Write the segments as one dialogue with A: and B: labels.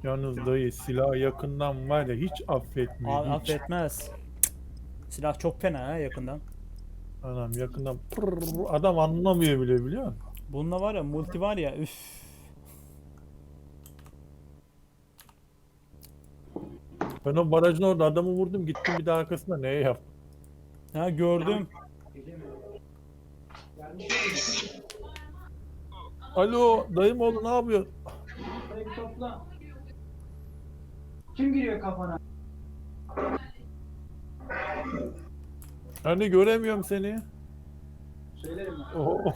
A: Yalnız dayı silah yakından var ya hiç affetmiyor.
B: Abi
A: Hiç.
B: affetmez. Silah çok fena ha yakından.
A: Anam yakından adam anlamıyor bile biliyor musun?
B: Bunda var ya multi var ya üf.
A: Ben o barajın orada adamı vurdum gittim bir daha arkasında neye yaptım?
B: Ha gördüm.
A: Alo dayım oğlu ne yapıyor?
C: Sayı topla. Kim giriyor kafana?
A: Hani göremiyorum seni.
C: Söylerim ben.
A: Oo.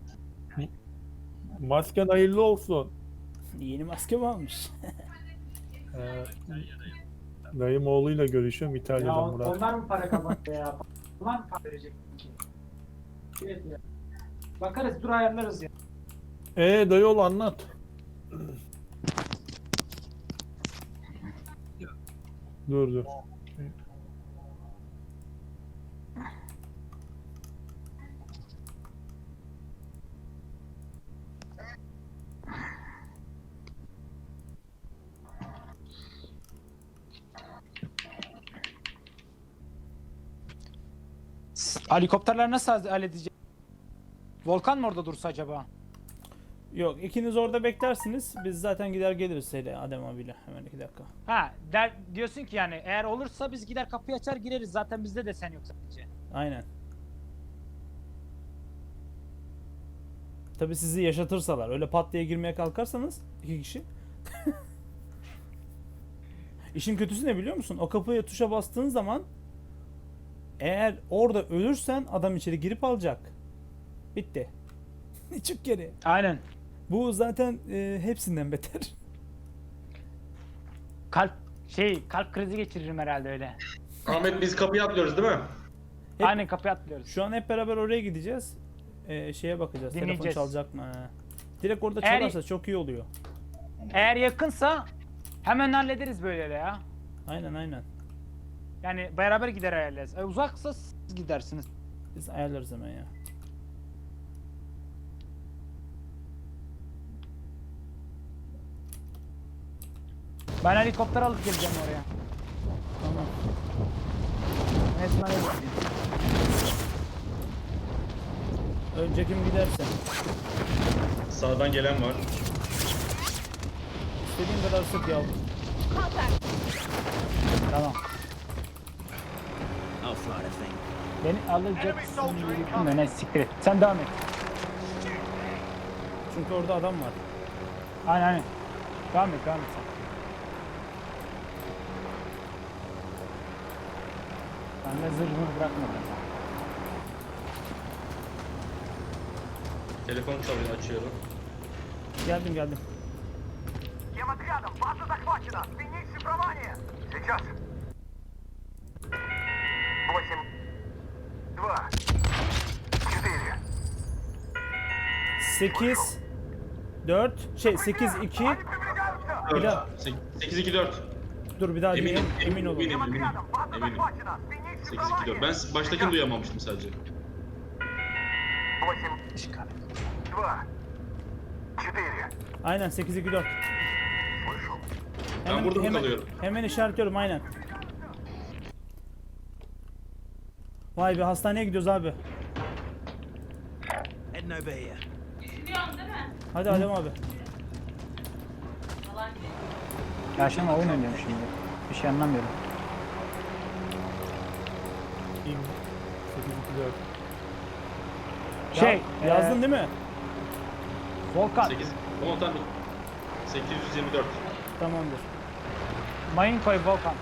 A: Masken hayırlı olsun.
B: Yeni maske mi almış?
A: Ee, dayım oğluyla görüşüyorum
C: Ya
A: İtalya'dan Murat.
C: onlar mı para kazandı ya? Ulan mı para verecek ki? Evet ya. Bakarız dur ayarlarız ya.
A: Dayı oğlu anlat. Dur.
D: Helikopterler nasıl halledecek? Volkan mı orada dursa acaba?
B: Yok ikiniz orada beklersiniz. Biz zaten gider geliriz hele Adem abiyle. Hemen 2 dakika.
D: Ha, diyorsun ki yani eğer olursa biz gider kapıyı açar gireriz. Zaten bizde de sen yok sadece.
B: Aynen. Tabi sizi yaşatırsalar. Öyle pat diye girmeye kalkarsanız 2 kişi. İşin kötüsü ne biliyor musun? O kapıya tuşa bastığın zaman eğer orada ölürsen adam içeri girip alacak. Bitti. Çık geri.
D: Aynen.
B: Bu zaten hepsinden beter.
D: Kalp krizi geçiririm herhalde öyle.
E: Ahmet biz kapıya atlıyoruz değil mi?
B: Hep-
D: Aynen kapıyı atlıyoruz.
B: Şu an hep beraber oraya gideceğiz. Şeye bakacağız. Telefon
D: Dinleyeceğiz.
B: çalacak mı? Ha. Direkt orada
D: Eğer-
B: çalarsa çok iyi oluyor.
D: Eğer yakınsa hemen hallederiz böyle ya.
B: Aynen.
D: Yani beraber gider ayarlarız. Uzaksa siz gidersiniz.
B: Biz ayarlarız hemen ya.
D: Ben helikopter alıp geleceğim oraya.
B: Tamam.
D: Resmen öyle.
B: Önce kim giderse.
E: Sağdan gelen var.
B: İstediğin kadar sık yavrum.
D: Tamam. Beni alacaksın. Ne siktir et. Sen devam et.
B: Çünkü orada adam var.
D: Aynen. Devam et sen. Ben de zırhımı bırakmadım.
E: Telefon çalıyor açıyorum.
B: Geldim.
F: Всем отрядом, база захвачена! Сменить шифрование! Сейчас! 8, 2, 4.
B: 8 4 8 2
F: Они приближаются!
E: 4.
B: Bir daha.
E: 8-2-4.
B: dur bir daha
E: Eminim,
B: diyeyim. Emin olun.
E: eminim.
F: Всем отрядом, база
E: Eminim.
F: захвачена! Сменить
E: 8-2-4.
F: шифрование!
E: Ben baştakini duyamamıştım sadece.
F: 8, 2, 4.
B: Aynen 8 2 4.
F: Слышал?
E: Ben burada mı kalıyorum?
B: Hemen işaretliyorum aynen. Vay be hastaneye gidiyoruz abi. Hadi Adem abi.
D: Ya şu an oyun oynuyorum şimdi. Bir şey anlamıyorum.
A: İn. 8-2-4.
B: Yazdın değil mi?
D: Volkan.
E: 8. Tamam tamam. 824.
B: Tamamdır.
D: Mayın koy Volkan.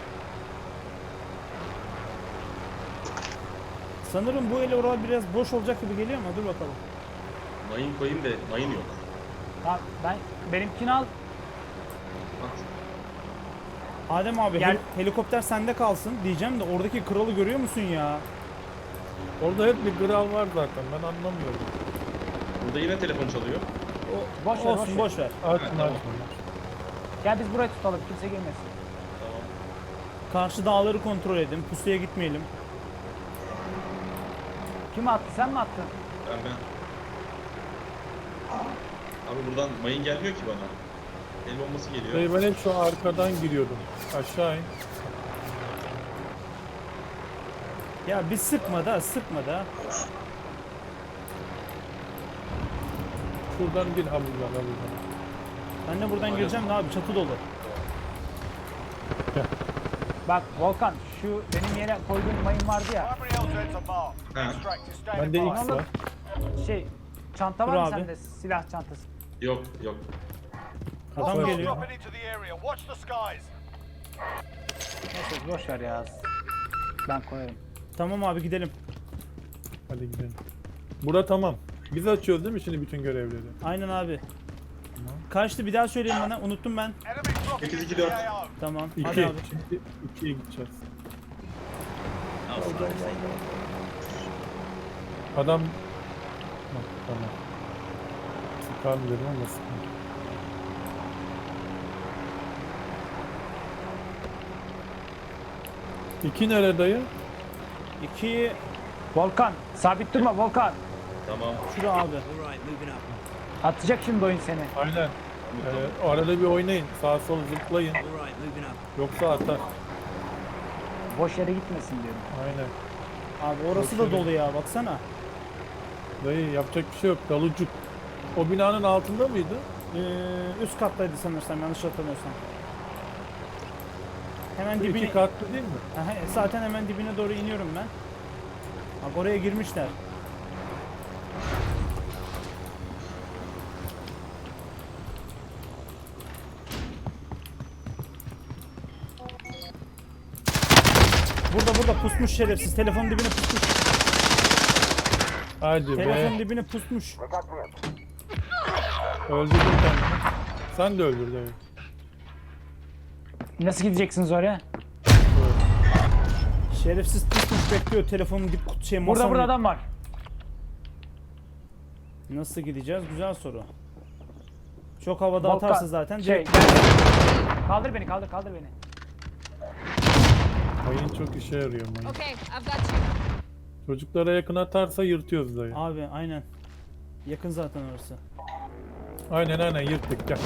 B: Sanırım bu ele oralar biraz boş olacak gibi geliyor ama dur bakalım.
E: Mayın koyayım da mayın yok.
D: Tamam, benimkini al.
E: Bak.
B: Adem abi
D: Gel.
B: helikopter sende kalsın diyeceğim de oradaki kralı görüyor musun ya?
A: Orada hep bir kral var zaten ben anlamıyorum.
E: Burada yine telefon çalıyor.
D: Boş ver,
B: Olsun boş ver.
A: Açma
E: tamam.
A: açma.
D: Gel biz burayı tutalım. Kimse girmesin.
E: Tamam.
B: Karşı dağları kontrol edin. Pusuya gitmeyelim.
D: Kim attı? Sen mi attın?
E: Ben. Abi buradan mayın gelmiyor ki bana. El bombası geliyor.
A: Dayı ben hep şu arkadan giriyordum. Aşağı in.
B: Ya bir sıkma da.
A: Şuradan gir ha buradan.
B: Ben de buradan gireceğim de abi çatı dolu.
D: Bak Volkan şu benim yere koyduğum mayın vardı ya.
F: Primary LZ's are marked.
E: Ha.
F: Extract is standing
A: Bende
F: by.
A: X var.
D: Şey çanta
B: Dur
D: var mı
B: abi.
D: sende? Silah çantası.
E: Yok.
B: Adam
A: Kafa
B: geliyor.
F: Dropping into the area. Watch the skies.
D: Neyse boş ver ya. Ben koyarım.
B: Tamam abi gidelim.
A: Hadi gidelim. Bura tamam. Biz açıyoruz değil mi şimdi bütün görevleri?
B: Aynen abi. Kaçtı bir daha söyleyin bana. Unuttum ben.
F: Enemy dropping
E: 8,
F: into
E: 2,
F: the
E: 4.
F: AO.
B: Tamam.
A: 2.
B: Hadi abi.
A: Şimdi 2'ye gideceğiz. Adam... Bak, tamam. Sıkar dedim ama sıkar. İki nerede dayı?
B: 2
D: Volkan sabit durma Volkan.
E: Tamam.
B: şura abi.
D: Atacak şimdi oyun seni.
A: Aynen. O arada bir oynayın. Sağa sola zıplayın. Yoksa atar.
D: Boş yere gitmesin diyorum.
A: Aynen.
B: Abi orası da dolu ya baksana.
A: Dayı yapacak bir şey yok. Dalucuk. O binanın altında mıydı?
B: Üst kattaydı sanırsam yanlış hatırlamıyorsam. Hemen
A: Bu
B: dibine...
A: iki katlı değil mi?
B: Aha, zaten hemen dibine doğru iniyorum ben. Bak oraya girmişler. Burada pusmuş şerefsiz. Telefonun dibine pusmuş.
A: Hadi
B: Telefonun
A: be.
B: dibine pusmuş.
A: Öldürdün kendini. Sen de öldür dayı.
D: Nasıl gideceksiniz oraya?
B: Şerefsiz pusmuş bekliyor telefonun dip masanın.
D: Burada adam var.
B: Nasıl gideceğiz? Güzel soru. Çok havada
D: Volkan,
B: atarsa zaten
D: Şey,
B: direkt...
D: kaldır beni kaldır beni.
A: Mayın çok işe yarıyor mayın.
G: Okay, I've got you.
A: Çocuklara yakın atarsa yırtıyoruz dayı.
B: Abi aynen. Yakın zaten orası.
A: Aynen yırttık gel.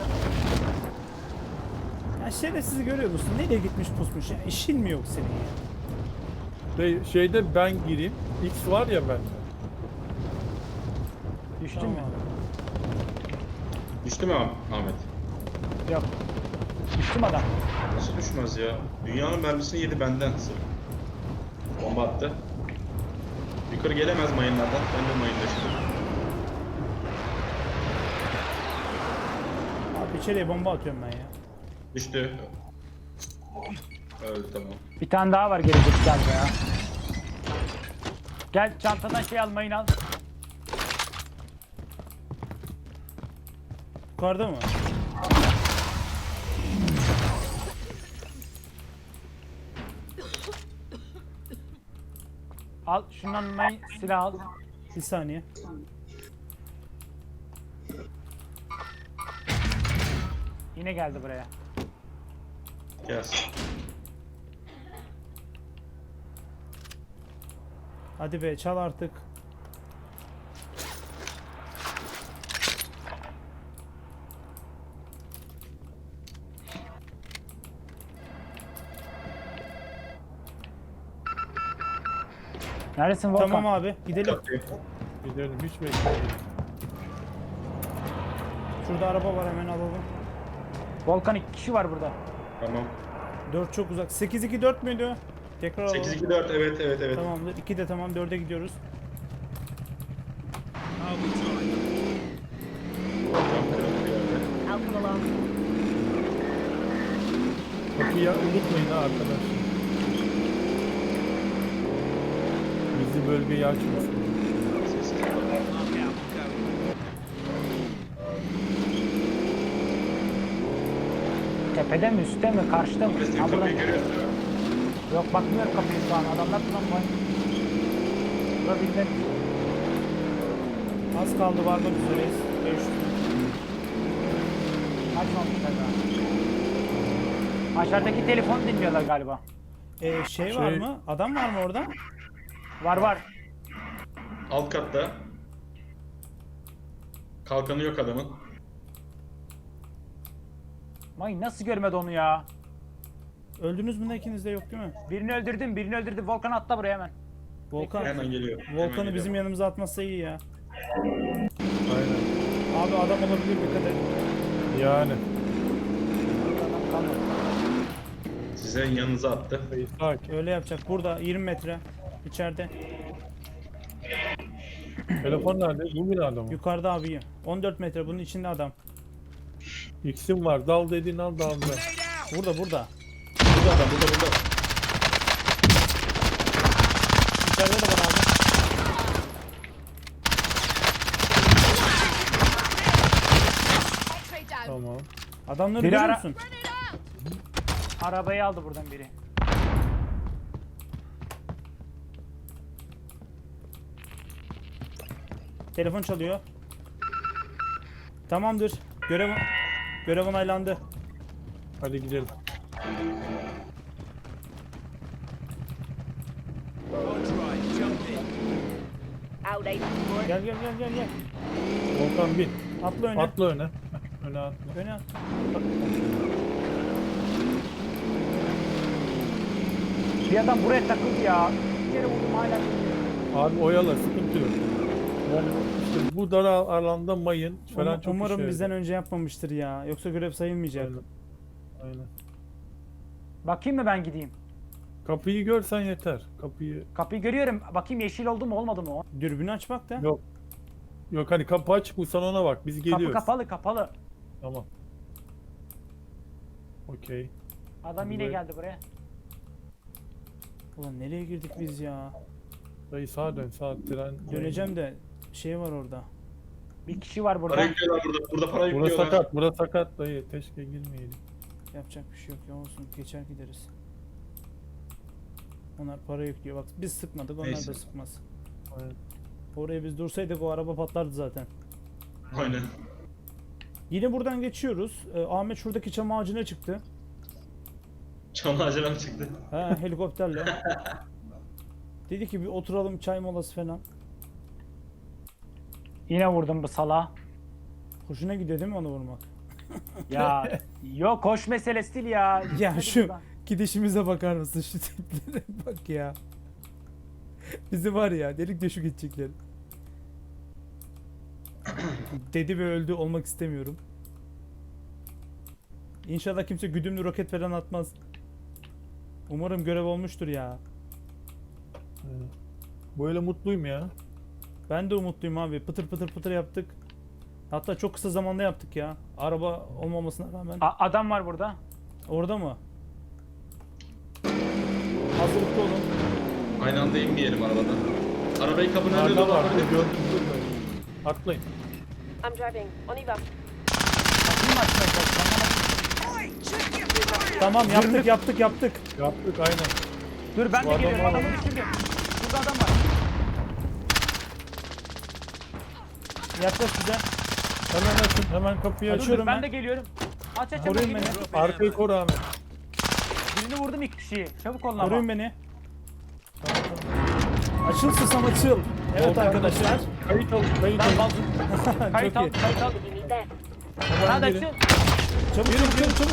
B: Ya şerefsizi görüyor musun? Nereye gitmiş pusmuş ya? İşin mi yok senin ya?
A: Dayı şeyde ben gireyim. X var ya bende.
D: Düştün
B: Tamam
D: mü?
B: abi.
E: Düştü mü Ahmet?
D: Yok. Düştüm adam.
E: Nasıl düşmez ya? Dünyanın mermisini yedi benden sırf. Bomba attı. Yukarı gelemez mayınlardan. Ben de mayınlaştım.
B: Abi içeriye bomba atıyorum ben ya.
E: Düştü. Öldü tamam.
D: Bir tane daha var gelecek galiba ya. Gel çantadan şey al mayın al.
B: Yukarıda mı?
D: Al şundan mayın silah al.
B: Bir saniye.
D: Yine geldi buraya.
E: Gelsin.
B: Hadi be çal artık.
D: Neredesin Volkan?
B: Tamam abi gidelim.
E: Kapıyı.
A: Gidelim hiç beklemeyin.
B: Şurada araba var hemen alalım.
D: Volkan 2 kişi var burada.
E: Tamam.
B: 4 çok uzak. 8-2-4 müydü? Tekrar alalım.
E: 8, 2, 4 evet.
B: Tamamdır. 2 de tamam 4'e gidiyoruz.
E: Cam kırıldı bir yerde.
G: I'll come along.
A: Kapıyı unutmayın ha arkadaşlar. Bizi bölgeyi açmasın.
E: Sessiz.
D: Tepede mi üstte mi karşıda mı?
E: Ahmet
D: Ha, buradan-
E: kapıyı görüyorsun değil mi?
D: Yok bakmıyorum kapıyı şu an adamlar falan var. Burada bilmem.
B: Az kaldı varmak üzereyiz. 500.
D: Açmamışlar daha. Aşağıdaki telefonu dinliyorlar galiba.
B: Şey var mı? Adam var mı orada?
D: Var.
E: Alt katta. Kalkanı yok adamın.
D: Mayın nasıl görmedi onu ya?
B: Öldünüz mü ne, ikiniz de yok değil mi?
D: Birini öldürdüm. Volkan atla buraya hemen.
B: Volkan.
E: Hemen geliyor. hemen
B: Volkan'ı
E: geliyor.
B: bizim yanımıza atmazsa iyi ya.
A: Aynen.
B: Abi adam olabilir, dikkat et.
A: Yani.
D: Adam kalmadı.
E: Size yanınıza attı.
A: İshak.
B: Öyle yapacak. Burada 20 metre. İçeride.
A: Telefon nerede? Bu binada mı?
B: Yukarıda abi. 14 metre. Bunun içinde adam.
A: X'im var. Dal dediğin al daldı.
B: Burada burada.
E: Burada adam burada.
B: İçeride de var abi.
G: X-ray down.
A: Tamam.
B: Adamları
D: Biri
B: görüyor
D: ara-
B: musun?
D: Arabayı aldı buradan biri.
B: Telefon çalıyor. Tamamdır. Görev onaylandı.
A: Hadi gidelim.
G: Out, Aiden.
B: Gel gel gel gel gel.
A: Volkan bin.
B: Atla öne.
A: Atla öne. Öne atla.
B: Öne at.
D: Bir adam buraya takıldı ya. Bir kere vurdum hala.
A: Abi oyala, sıkıntı yok. Yani işte bu dar alanda mayın falan çok
B: Umarım
A: işe
B: bizden
A: yarıyor.
B: önce yapmamıştır ya. Yoksa görev sayılmayacak.
A: Aynen. Aynen.
D: Bakayım mı ben gideyim?
A: Kapıyı görsen yeter. Kapıyı
D: Kapıyı görüyorum. Bakayım yeşil oldu mu olmadı mı o?
B: Dürbünü aç bak da.
A: yok. Yok hani kapı açık bu salona bak. Biz geliyoruz.
D: Kapı kapalı.
A: Tamam. Okey.
D: Adam yine
A: Buraya-
D: geldi buraya.
B: Ulan nereye girdik biz ya?
A: Dayı sağa dön, sağa tren.
B: Döneceğim de şey var orada.
D: Bir kişi var burada.
E: Para yüklüyorlar burada. Burada para
A: Burası
E: yüklüyorlar.
A: sakat, burası sakat dayı. Keşke girmeyelim.
B: Yapacak bir şey yok ya, olsun. Geçer gideriz. Onlar para yüklüyor. Bak biz sıkmadık, onlar
E: Neyse.
B: da sıkmaz.
A: Aynen.
B: Oraya biz dursaydık o araba patlardı zaten.
E: Aynen.
B: Yine buradan geçiyoruz. Ahmet şuradaki çam ağacına çıktı.
E: Çam ağacına mı çıktı?
B: Ha, helikopterle. Dedi ki bir oturalım, çay molası falan.
D: Yine vurdum bu sala.
B: Hoşuna gidiyor değil mi onu vurmak?
D: Ya yok koş meselesi değil ya.
B: Ya
D: Hadi
B: şu
D: buradan.
B: gidişimize bakar mısın, şu tiplere bak ya. Bizi var ya delik deşik edecekler. Dedi ve öldü olmak istemiyorum. İnşallah kimse güdümlü roket falan atmaz. Umarım görev olmuştur ya.
A: Aynen. Böyle mutluyum ya.
B: Ben de umutluyum abi. Pıtır pıtır pıtır yaptık. Hatta çok kısa zamanda yaptık ya. Araba olmamasına rağmen.
D: Adam var burada.
B: Orada mı? Hazırlıklı olun.
E: Aynı anda inmeyelim arabadan. Arabayı kapının önünde
A: Arda var.
E: dolandırdık.
A: Gördüm. Atlayın.
G: I'm driving. On y va.
D: Kapıyı mı açmaya çalışıyorum?
B: Tamam yaptık yaptık.
A: Yaptık aynen.
D: Dur ben
A: Bu
D: de
A: adam
D: geliyorum.
A: var.
D: Adamı düşürdüm. Burada adam var.
B: Yaklaş bize.
A: Hemen açın. Hemen kapıyı
D: Dur,
A: açın.
B: Açıyorum
D: ben
B: ben.
D: de geliyorum. Aç aç
B: Koruyun
D: hemen
B: beni.
D: geliyorum.
A: Arkayı koru Ahmet.
D: Birini vurdum iki kişiyi. Çabuk olun ama.
B: Koruyun beni. Açıl susam açıl. Evet
A: Volkan
B: arkadaşlar.
A: Kayıt al. Kayıt
D: Ben
A: al.
D: bazı kayıt
B: Çok
D: al,
B: iyi.
D: kayıt al.
G: You need that.
A: Hemen
D: Hadi
A: girin.
D: açın.
B: Çabuk.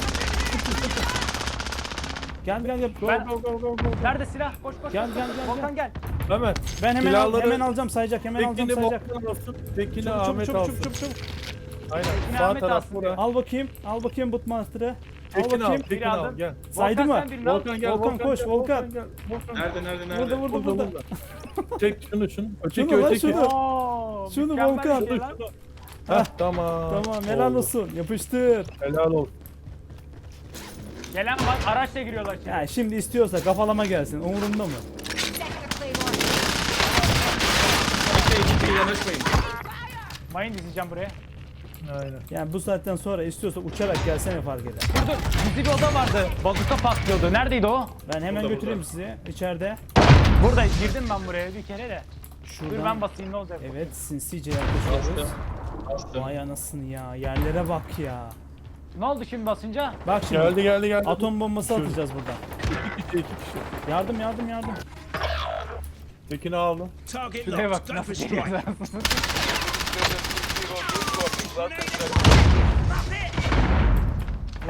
B: Gel.
D: Ben-
A: Go go go go.
D: Nerede silah? Koş.
B: Gel.
D: Volkan gel.
A: Hemen.
B: Ben
A: Silahları-
B: hemen alacağım, sayacak. Hemen alacağım,
A: Tekini
B: sayacak.
A: Volkan alsın. Tekini
B: Çabuk
A: Ahmet
B: çabuk
A: alsın.
B: çabuk.
A: Aynen.
D: Tekini
A: Sağ
D: Ahmet
A: taraf
D: alsın
A: bura.
B: Al bakayım Bootmaster'ı. Al
A: Tekini al.
B: bakayım.
A: Tekini
D: Biri
A: al.
D: aldım.
A: Gel.
B: Saydı
D: Volkan,
B: mı?
D: sen birini al.
A: Volkan gel.
B: Volkan koş,
A: gel,
B: Volkan.
A: gel. Volkan.
E: Nerede?
B: Burada.
A: Çek şunu. Öteki
B: Şunu lan,
A: öteki.
B: şunu.
D: Oo,
B: Şunu
D: mükemmel
B: Volkan.
D: bir şey lan.
A: Heh, tamam.
B: Tamam, helal
A: Oldu.
B: olsun. Yapıştır.
A: Helal olsun.
D: Gelen var. Araçla giriyorlar şimdi.
B: Ya şimdi istiyorsa kafalama gelsin. Umurumda mı?
E: Kimseye yanaşmayın.
D: Mayın dizeceğim buraya.
A: Aynen.
B: Yani bu saatten sonra istiyorsa uçarak gelsene fark eder.
D: Dur. Gizli bir oda vardı. Bazuka patlıyordu. Neredeydi o?
B: Ben hemen
E: Burada,
B: götüreyim
E: burada.
B: sizi içeride.
D: Burada girdim ben buraya bir kere de. Dur
B: Şuradan.
D: ben basayım ne olacak?
B: Evet, sinsice yaklaşıyoruz.
E: Bastım.
B: Vay anasını ya. Yerlere bak ya.
D: Ne oldu şimdi basınca?
B: Bak şimdi.
A: Geldi.
B: Atom bombası atacağız buradan.
A: İki kişi.
B: Yardım.
A: Tekini aldım.
D: Şuraya bak nasıl geliyor.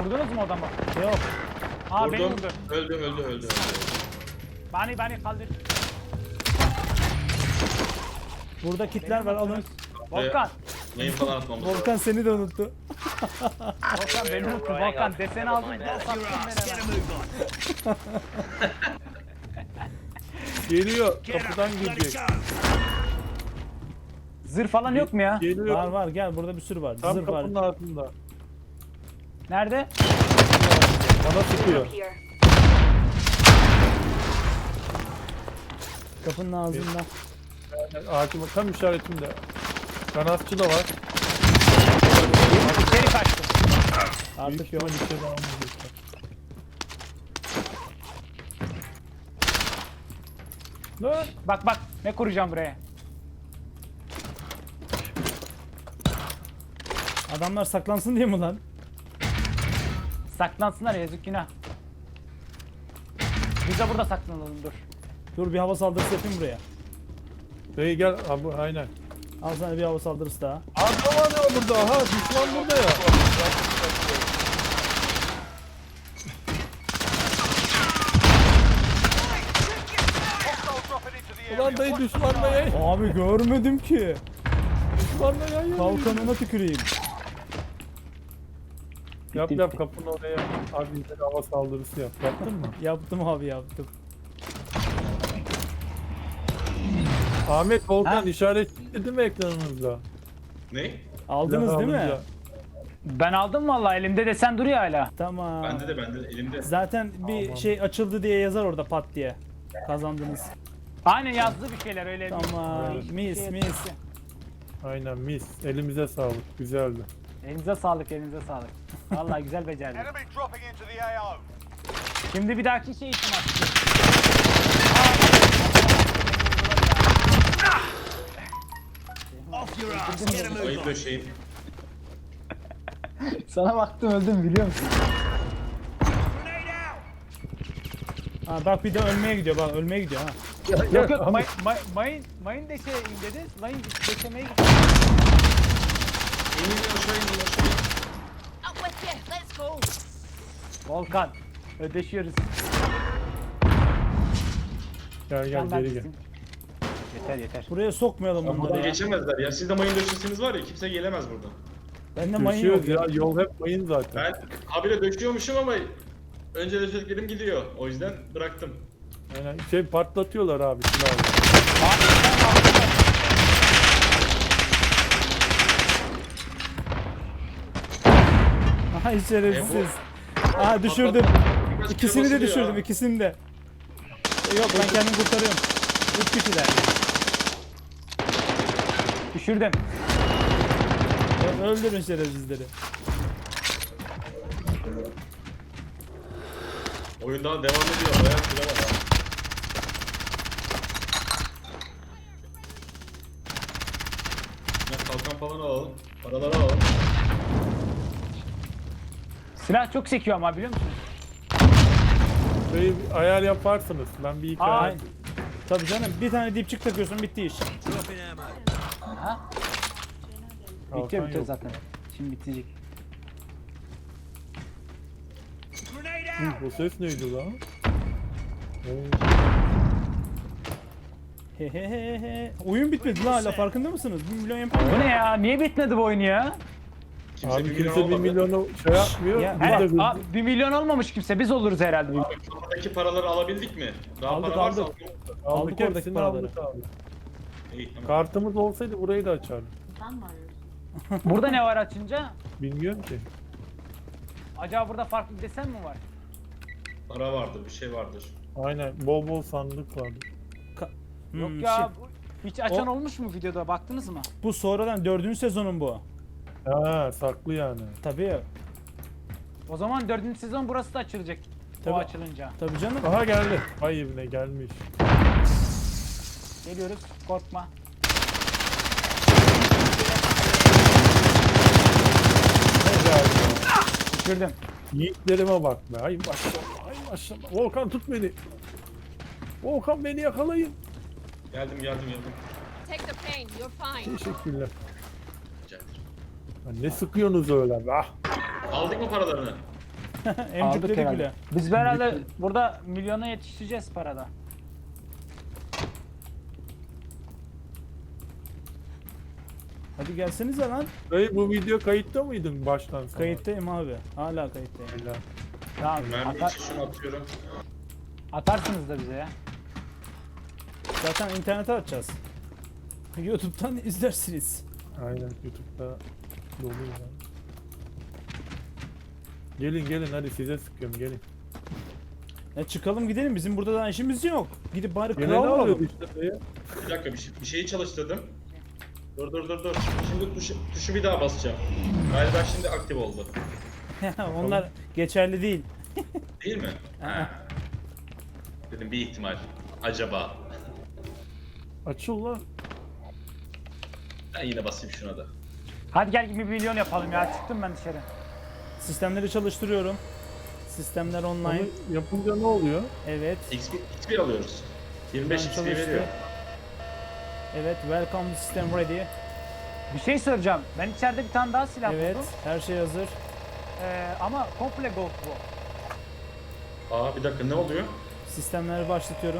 D: Vurdunuz mu adamı?
B: Yok.
D: Aa beni
E: Vurdum.
D: vurdu.
E: Öldü.
D: Bani kaldır.
B: Burada kitler var alın.
D: Volkan.
E: Mayın falan atmamız lazım.
B: Volkan seni de unuttu.
D: Volkan beni unuttu. Volkan deseni aldın. Sattın beni hemen.
A: Geliyor. Kapıdan girecek.
D: Zırh falan yok mu ya?
A: Geliyor.
B: Var var gel burada bir sürü var.
A: Tam
B: Zırh var.
A: kapının altında.
D: Nerede?
A: Bana sıkıyor.
G: Here.
B: Kapının ağzında.
A: Hakim tam işaretimde. Kanatçı da var.
D: İçeri kaçtım.
B: Artık
A: Büyük
B: yok.
A: ihtimal içeri almayacaklar. Lan!
D: Bak ne kuracağım buraya.
B: Adamlar saklansın diye mi lan?
D: Saklansınlar yazık günah. Biz de burada saklanalım dur.
B: Dur bir hava saldırısı yapayım buraya.
A: Bey gel abi aynen.
B: Al sana bir hava saldırısı daha.
A: Adam var ya burada. Aha düşman burada ya.
F: Hostiles dropping into the area.
A: Ulan dayı düşmanla yay.
B: Abi görmedim ki.
A: Düşmanla yay.
B: Kalkanına tüküreyim.
A: Yap
B: Bitti,
A: yap
B: bitti.
A: kapının oraya. Abi bize hava saldırısı yap. Yaptın mı?
B: Yaptım abi yaptım.
A: Ahmet Volkan
D: Ha?
A: işaretledi mi ekranınızda?
E: Ne?
B: Aldınız
A: Silahı
B: değil mi?
A: alınca.
D: Ben aldım vallahi elimde desen duruyor hala.
B: Tamam.
E: Bende de elimde.
B: Zaten bir
A: Aman.
B: şey açıldı diye yazar orada pat diye. Kazandınız.
D: Aynen yazdı bir şeyler öyle.
B: Tamam.
A: Evet.
B: Mis mis.
A: Aynen mis. Elimize sağlık. Güzeldi.
D: Elinize sağlık elinize sağlık. Vallahi güzel becerdin.
F: Enemy dropping into the AO.
D: Şimdi bir dahaki şey için açtık.
E: Ayıp döşeyim.
D: Sana baktım öldüm biliyor musun?
B: Ha bak bir de ölmeye gidiyor bak ölmeye gidiyor ha.
D: Yok yok mayın deşeyim dedi. Mayın deşemeye gitti.
E: İnin aşağı inin aşağı inin.
G: Up with you. Let's go.
D: Volkan. Ödeşiyoruz.
A: Gel gel
D: Sen
A: geri gel.
D: neredesin? Yeter.
B: Buraya sokmayalım
E: Buradan
B: bunları ya.
E: geçemezler ya. Sizde mayın döşesiniz var ya kimse gelemez buradan.
B: Bende mayın yok
A: Düşüyoruz
B: ya.
A: ya. Yol hep mayın zaten.
E: Ben habire döşüyormuşum ama önce döşediklerim gidiyor. O yüzden bıraktım.
A: Aynen. Şey patlatıyorlar abi silahı.
B: Ay şerefsiz. Aa düşürdüm.
E: Biraz
B: İkisini de
E: kırmasın
B: düşürdüm
E: ya.
B: ikisini de. Yok ben kendimi kurtarıyorum. 3 kişiler.
D: Düşürdüm.
B: Öldürün şerefsizleri.
E: Oyun daha devam ediyor. Bayağı süre var. ha. Ya kalkan falan alalım. Paraları alalım.
D: Silah çok sekiyor ama biliyor musun?
A: Şeyi ayar yaparsınız. Ben bir iki
D: Aa,
A: ayar.
B: Tabii canım bir tane dipçik takıyorsun bitti iş.
D: Ha?
A: Kalkan
D: Bitiyor
A: yok.
D: zaten. Şimdi bitecek.
A: Bu ses neydi lan?
B: Hehehehe. Oyun bitmedi la hala farkında mısınız? 1 milyon yapar.
D: Bu ne ya? Niye bitmedi bu oyun ya?
E: Kimse
A: Abi
E: bir
A: kimse
E: milyon
A: 1
E: almadı.
A: milyonu şey yapmıyor.
B: Ya,
A: Biz
D: He,
A: de hızlı.
D: 1 milyon olmamış kimse. Biz oluruz herhalde.
E: Abi kafadaki paraları alabildik mi? Daha
B: Aldık,
E: para varsa
B: aldık.
E: alalım.
B: aldık
A: Aldık
B: oradaki
A: hepsini
B: paraları.
A: aldık abi.
E: İyi tamam.
A: Kartımız olsaydı burayı da açardık.
D: Burada ne var açınca?
A: Bilmiyorum ki.
D: Acaba burada farklı bir desen mi var?
E: Para vardır, bir şey vardır.
A: Aynen bol bol sandık vardı.
D: Yok
B: Hmm,
D: ya.
B: şey,
D: Hiç açan olmuş mu videoda? Baktınız mı?
B: bu sonradan 4. sezonun bu.
A: Ha saklı yani.
B: Tabii.
D: O zaman 4. sezon burası da açılacak.
B: Tabii.
D: O açılınca.
B: Tabii canım.
A: Aha geldi. Ay evine gelmiş.
D: Geliyoruz. Korkma. Düşürdüm.
A: Yiğitlerime bak be. Ay maşallah. Ay maşallah. Volkan tut beni. Volkan beni yakalayın.
E: Geldim.
G: Take the pain. You're fine.
A: Teşekkürler.
E: Rica ederim.
A: Ya ne sıkıyorsunuz öyle be? Ah.
E: Aldık mı paralarını?
B: Emcükledik
D: herhalde.
B: bile.
D: Biz herhalde burada milyona yetişeceğiz parada.
B: Hadi gelsenize lan.
A: Dayı bu video kayıtta mıydın baştan sona?
B: Kayıttayım abi. Hala kayıttayım.
A: Helal.
D: Tamam.
E: Mermi için şunu atıyorum.
D: Atarsınız da bize ya.
B: Zaten internete atacağız. YouTube'dan izlersiniz.
A: Aynen YouTube'da dolu ya. Gelin hadi size sıkıyorum gelin.
B: Çıkalım gidelim. Bizim burada da işimiz yok. Gidip bari
A: Gene
B: kral
A: ne
B: alalım.
A: oluyordu işte dayı?
E: Bir dakika bir şeyi çalıştırdım. Dur. Şimdi tuşu bir daha basacağım. Galiba şimdi aktif oldu.
B: Onlar geçerli değil.
E: Değil mi? Ha. Dedim bir ihtimal. Acaba.
A: Açıl lan.
E: Ben yine basayım şuna da.
D: Hadi gel bir milyon yapalım ya. Çıktım ben dışarı.
B: Sistemleri çalıştırıyorum. Sistemler online.
A: Onu yapınca ne oluyor?
B: Evet.
E: XP alıyoruz. 25
B: Buradan
E: XP
B: çalıştı.
E: veriyor.
B: Evet. Welcome to system ready.
D: Bir şey soracağım. Ben içeride bir tane daha silah
B: Evet.
D: buldum.
B: Her şey hazır.
D: Ama komple gold bu.
E: Aa bir dakika ne oluyor?
B: Sistemleri başlatıyorum.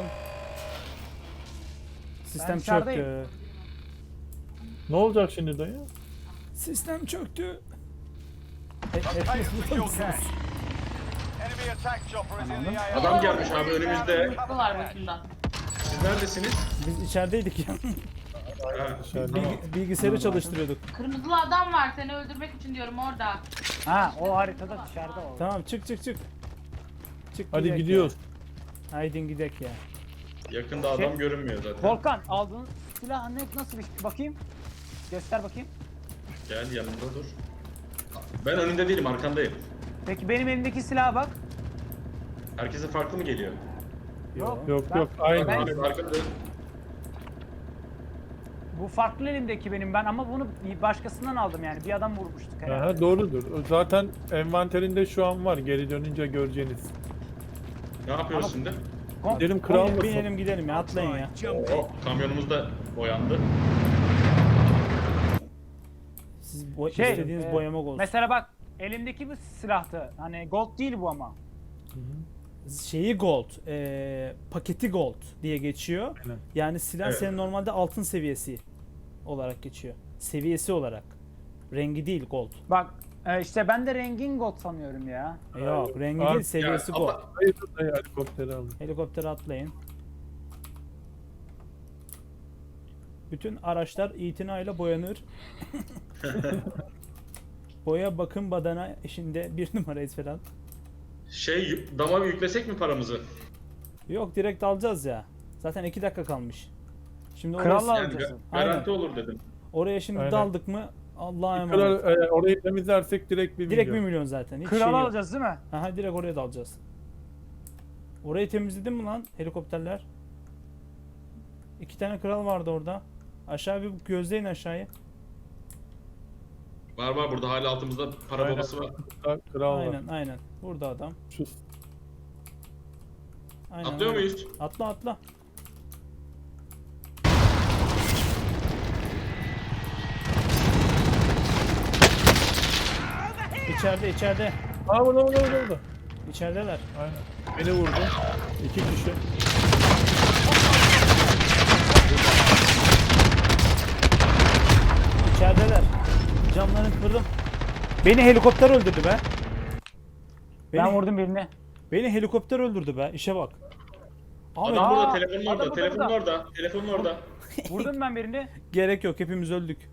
B: Sistem
D: dışarıdayım.
B: çöktü.
A: Ne olacak şimdi dayı?
B: Sistem çöktü.
F: Pay
B: Hepiniz
F: for
B: burada
F: your
B: mısınız?
F: cash. Enemy attack chopper is in the AO.
E: Adam gelmiş abi önümüzde.
H: Var başında.
E: Siz neredesiniz?
B: Biz içerideydik ya.
E: Ha.
A: Dışarıda.
B: Bilgisayarı çalıştırıyorduk.
H: Kırmızılı adam var seni öldürmek için diyorum orada.
D: Ha o haritada dışarıda o.
B: Tamam çık. Çık
A: Hadi
B: gidek
A: gidiyoruz.
B: Ya. Haydi gidek ya.
E: Yakında adam görünmüyor zaten.
D: Volkan aldığın silah nasıl bir şey? Bakayım. Göster bakayım.
E: Gel yanımda dur. Ben önünde değilim arkandayım.
D: Peki benim elimdeki silaha bak.
E: Herkese farklı mı geliyor?
A: Yok
D: Ben-
A: aynı.
D: Ben-
E: Abi arkada.
D: Bu farklı elimdeki benim ben ama bunu başkasından aldım yani. Bir adam vurmuştuk herhalde.
A: Aha, doğrudur. Zaten envanterinde şu an var. Geri dönünce göreceğiniz.
E: Ne yapıyoruz şimdi?
A: Gidelim kral mısın?
B: Binelim gidelim ya atlayın ya.
E: Oh, kamyonumuz da boyandı.
B: Siz
D: Şey,
B: istediğiniz boyamak olsun.
D: Mesela bak elimdeki bir silahtı. Hani gold değil bu ama.
B: Şeyi gold, paketi gold diye geçiyor.
A: Aynen.
B: Yani silah
E: Evet.
B: senin normalde altın seviyesi olarak geçiyor. Seviyesi olarak. Rengi değil gold.
D: Bak işte ben de rengin gold sanıyorum ya.
B: Yok rengi
A: Abi,
B: değil seviyesi
E: ya,
B: gold.
E: ama-
A: Dayı helikopteri alın.
B: Helikoptere atlayın. Bütün araçlar itinayla boyanır. Boya bakım badana işinde 1 numarayız falan.
E: Dama yüklesek mi paramızı?
B: Yok direkt alacağız ya. Zaten 2 dakika kalmış. Şimdi
D: Kralla
B: oraya,
E: Yani
D: alacağız.
E: garanti olur dedim.
B: oraya şimdi
A: Aynen.
B: daldık mı Allah'a
A: Kral,
B: emanet.
A: orayı temizlersek direkt 1
B: Direkt 1
A: milyon.
B: milyon zaten. Hiç
D: Kral
B: şey yok.
D: alacağız değil mi?
B: Aha direkt oraya dalacağız. Orayı temizledin mi lan helikopterler? 2 tane kral vardı orada. Aşağı bir gözleyin aşağıya.
E: Var burada hala altımızda para
A: Aynen.
E: babası var.
A: Kral var.
B: Aynen. Burada adam.
A: Şu
B: Aynen,
E: Atlıyor
B: aynen.
E: muyuz?
B: Atla. İçeride.
A: Aa burada.
B: İçerideler.
A: Aynen. Beni vurdu. 2 kişi.
B: İçerideler. Camlarını kırdım. Beni helikopter öldürdü be.
D: Ben vurdum birini.
B: Beni helikopter öldürdü be. İşe bak. Ahmet
E: Adam burada,
D: Aa,
E: telefonun
D: adam
E: orada,
D: burada,
E: telefonun
D: burada.
E: orada, telefonun orada.
D: Vurdum ben birini.
B: gerek yok. Hepimiz öldük.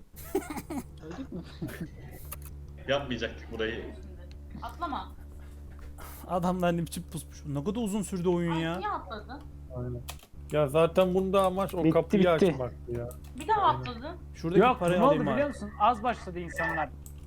E: Yapmayacaktık burayı.
H: Atlama.
B: Adamlar ne biçim pusmuş. Ne kadar uzun sürdü oyun
H: Ay,
B: ya.
H: niye atladın?
A: Aynen. Ya zaten bunda amaç o
D: Bitti,
A: kapıyı
D: bitti.
A: açmaktı ya.
H: Bir daha atladın.
B: Şuradaki
D: Yok
B: parayı
D: ne oldu
B: alayım
D: biliyor
B: abi.
D: musun? Az başladı insanlar.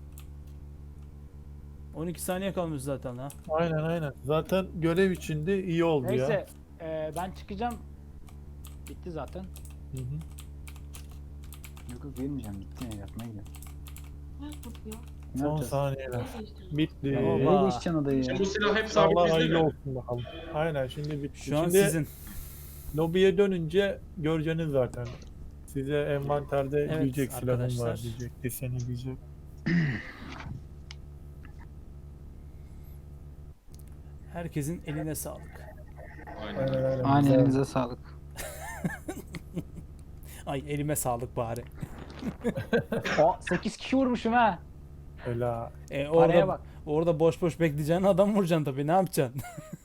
B: 12 saniye kalmış zaten ha.
A: Aynen. Zaten görev içinde iyi oldu ya.
D: Neyse ben çıkacağım. Bitti zaten.
A: Hı hı.
D: Yok girmeyeceğim bitti ya yatmaya gidiyorum.
H: Ne tutuyor?
A: Son saniyeler. Bitti.
B: Oba.
D: değişeceksin odayı
E: Şimdi bu silah hep sabit
A: Allah
E: bizde
A: hayırlı
E: mi?
A: olsun bakalım. Aynen şimdi bitti.
B: Şu an
A: şimdi
B: sizin.
A: lobiye dönünce göreceğiniz zaten. Size envanterde
B: Evet,
A: diyecek silahım var
B: arkadaşlar.
A: diyecek. Deseni diyecek.
B: Herkesin eline sağlık.
E: Aynen.
A: Aynen aynen.
D: Aynen
A: Güzel.
D: elinize sağlık.
B: Ay elime sağlık bari.
D: O 8 kişi vurmuşum ha.
A: Öyle ha.
D: Paraya
B: Orada,
D: bak.
B: orada boş boş bekleyeceğin adam vuracaksın tabii. Ne yapacaksın?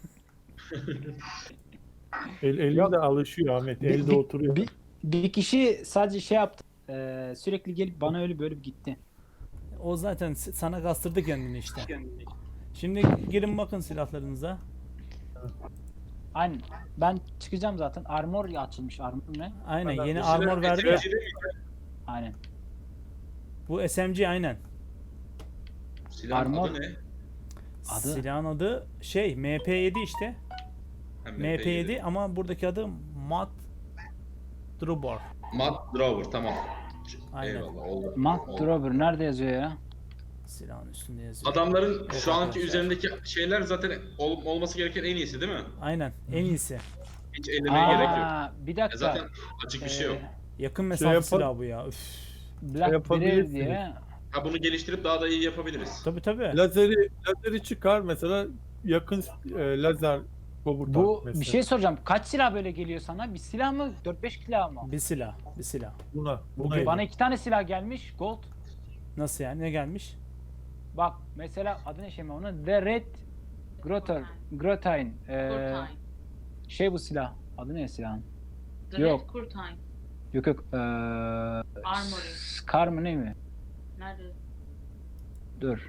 A: El
D: Yok.
A: de alışıyor Ahmet. Elde
D: Bir-
A: oturuyor.
D: Bir kişi sadece şey yaptı. Sürekli gelip bana öyle böyle gitti.
B: O zaten sana kastırdı kendini işte. Şimdi girin bakın silahlarınıza.
D: Aynen. Ben çıkacağım zaten. Armor açılmış. Armor ne?
B: Aynen
A: Adam
B: yeni
E: Bu
B: armor
E: silah
B: verdi ya.
E: SMG değil mi?
D: Aynen.
B: Bu SMG aynen.
E: Silahın
D: Armor.
E: adı ne?
D: Adı?
B: Silahın adı şey MP7 işte.
E: Ha,
B: MP7 ama buradaki adı Mat Drubor.
E: Matt Drover tamam.
B: Aynen.
E: Eyvallah oldu.
D: Matt
E: Oldu.
D: Drover nerede yazıyor ya?
B: Silahın üstünde yazıyor.
E: Adamların
B: Yok
E: şu anki
B: arkadaşlar.
E: üzerindeki şeyler zaten olması gereken en iyisi değil mi?
B: Aynen en iyisi.
E: Hiç ellemeye gerek yok.
D: Bir dakika.
E: Zaten açık bir şey yok.
B: Yakın mesafe
A: yapar-
B: silahı bu ya. Üf.
D: Black Bear
A: yapabilirsiniz.
D: diye.
E: Ha bunu geliştirip daha da iyi yapabiliriz.
B: Tabii.
A: Lazeri çıkar mesela yakın lazer komutan
D: Bu
A: mesela.
D: bir şey soracağım. Kaç silah böyle geliyor sana? Bir silah mı? 4-5 silah mı?
B: Bir silah.
A: Buna
D: Bana 2 tane silah gelmiş. Gold.
B: Nasıl yani? Ne gelmiş?
D: Bak mesela adı ne şey mi onun? The Red Grotine.
H: Kurtine.
D: Şey bu silah. Adı ne silahın?
H: The
D: Yok.
H: Red Kurtine.
D: Yok.
H: Armory.
D: Scar mı ne mi?
H: Nerede?
D: Dur.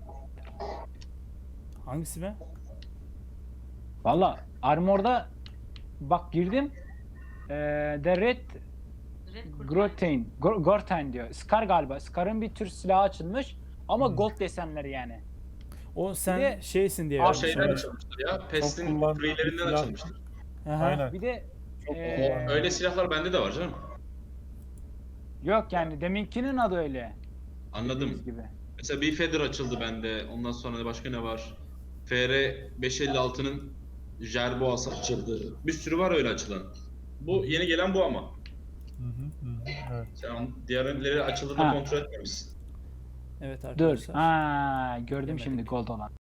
B: Hangisi be?
D: Valla Armor'da bak girdim. The Red
H: The Red Kurtine.
D: Grotine. Gortine diyor. Scar galiba. Scar'ın bir tür silahı açılmış. Ama gold desenleri yani.
B: O sen
D: Bir de-
B: şeysin diye
E: O
B: vermiş
E: şeyden
B: ona.
E: açılmıştır ya. Pest'in
A: kullanılan
E: freelerinden
A: silah.
E: açılmıştır.
B: Aha.
A: Aynen.
D: Bir de
A: Çok
D: ee,
E: Öyle silahlar bende de var canım.
D: yok yani deminkinin adı öyle.
E: Anladım.
D: Dediğiniz gibi.
E: Mesela bir Feather açıldı bende. Ondan sonra başka ne var? FR 556'nın Jerboası açıldı. Bir sürü var öyle açılan. Bu yeni gelen bu ama.
A: Evet.
E: Sen diğerleri açıldı
D: Ha.
E: da kontrol etmemişsin.
B: Evet
D: Dur.
B: arkadaşlar.
D: Ha gördüm
B: Demedik.
D: şimdi gold olan.